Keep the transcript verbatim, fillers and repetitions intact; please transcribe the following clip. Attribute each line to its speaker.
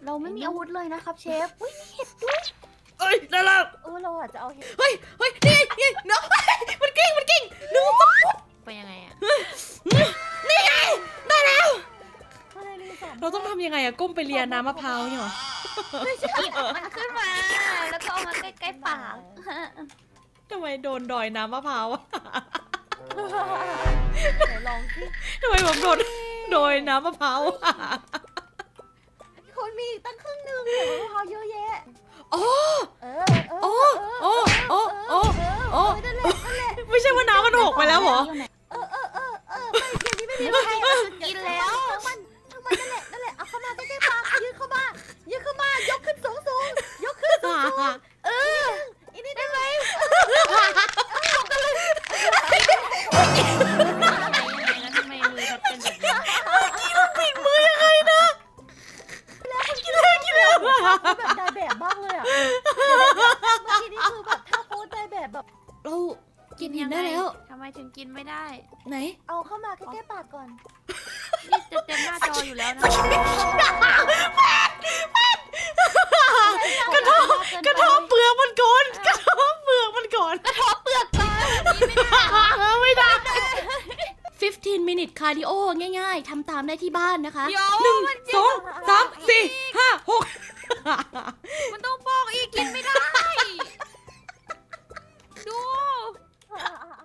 Speaker 1: เราไม่มีอาวุธเลยนะครับเชฟอุ้ยมีเห็ดด้วย
Speaker 2: เอ้ยได้แล้ว
Speaker 1: เออเราอาจจะเอาเห็ด
Speaker 2: เฮ้ยเฮ้ยนี่นี่เนาะมันกิ้งมันกิ้งดูสปุ๊บ
Speaker 3: ไปยังไงอะ
Speaker 2: นี่ไงได้แล้ว
Speaker 1: อะไรนี่สอง
Speaker 2: เราต้องทำยังไงอะก้มไปเลียน้ำมะพร้าวเนี่ยหรอ
Speaker 1: หยิบมันขึ้นมา แล้วก็เอามาใกล้ๆปาก
Speaker 2: ทำไมโดนดอยน้ำมะพร้าวอะ
Speaker 1: ไหนลองสิ
Speaker 2: ทำไมผมโดนดอยน้ำมะพร้าวอะ
Speaker 1: คนมีอีกตั้งครึ่งหนึงเดี๋ยวมะพร้าวเยอะแยะ
Speaker 2: อ๋อ
Speaker 1: เออเออ
Speaker 2: โอ้โอ้โอ้โอ้
Speaker 1: เออ
Speaker 2: โอ้
Speaker 1: นั่นแหละนั่นแหละ
Speaker 2: ไม่ใช่ว่าน้ำมันหกไปแล้วเหรอ
Speaker 1: เออเออเออเออไม่เกมนี้ไม่มีใครกินแล้วทั้งมันทั้งมันนั่นแหละนั่นแหละเอาเข้ามาใกล้ๆปากยืนเข้ามายืนเข้ามายกขึ้นสูงสูงยกขึ้นสูงสูงเอออีนี่ได้ไหม
Speaker 3: ยังไงแล้วทำไมมือเขาเป็นแบบนี้
Speaker 2: ปิดมือยังไงนะกินแล้วกินแล้ว
Speaker 1: แบบได้แบบมากเลยอ่ะเมื่อกี้นี่คือแบบถ้าโพสได้แบบแบบ
Speaker 2: เรากินเห็นได้แล้ว
Speaker 3: ทำไมถึงกินไม่ได้
Speaker 2: ไหน
Speaker 1: เอาเข้ามาใกล้ๆปากก่อน
Speaker 3: นี่จะเต็มหน้าจออยู่แล้วนะ
Speaker 2: กระทบกระทบเปลือกมันก่อนกระทบเปลือกมันก่อน
Speaker 1: เปลือกตา
Speaker 2: ไม่ได้สิบห้า minute cardio ง่ายๆทำตามได้ที่บ้านนะคะ
Speaker 3: โย
Speaker 2: หนึ่ง
Speaker 3: มัน
Speaker 2: สองสามสี่ห้าหก
Speaker 3: มันต้องบอกอีกกินไม่ได้ ดู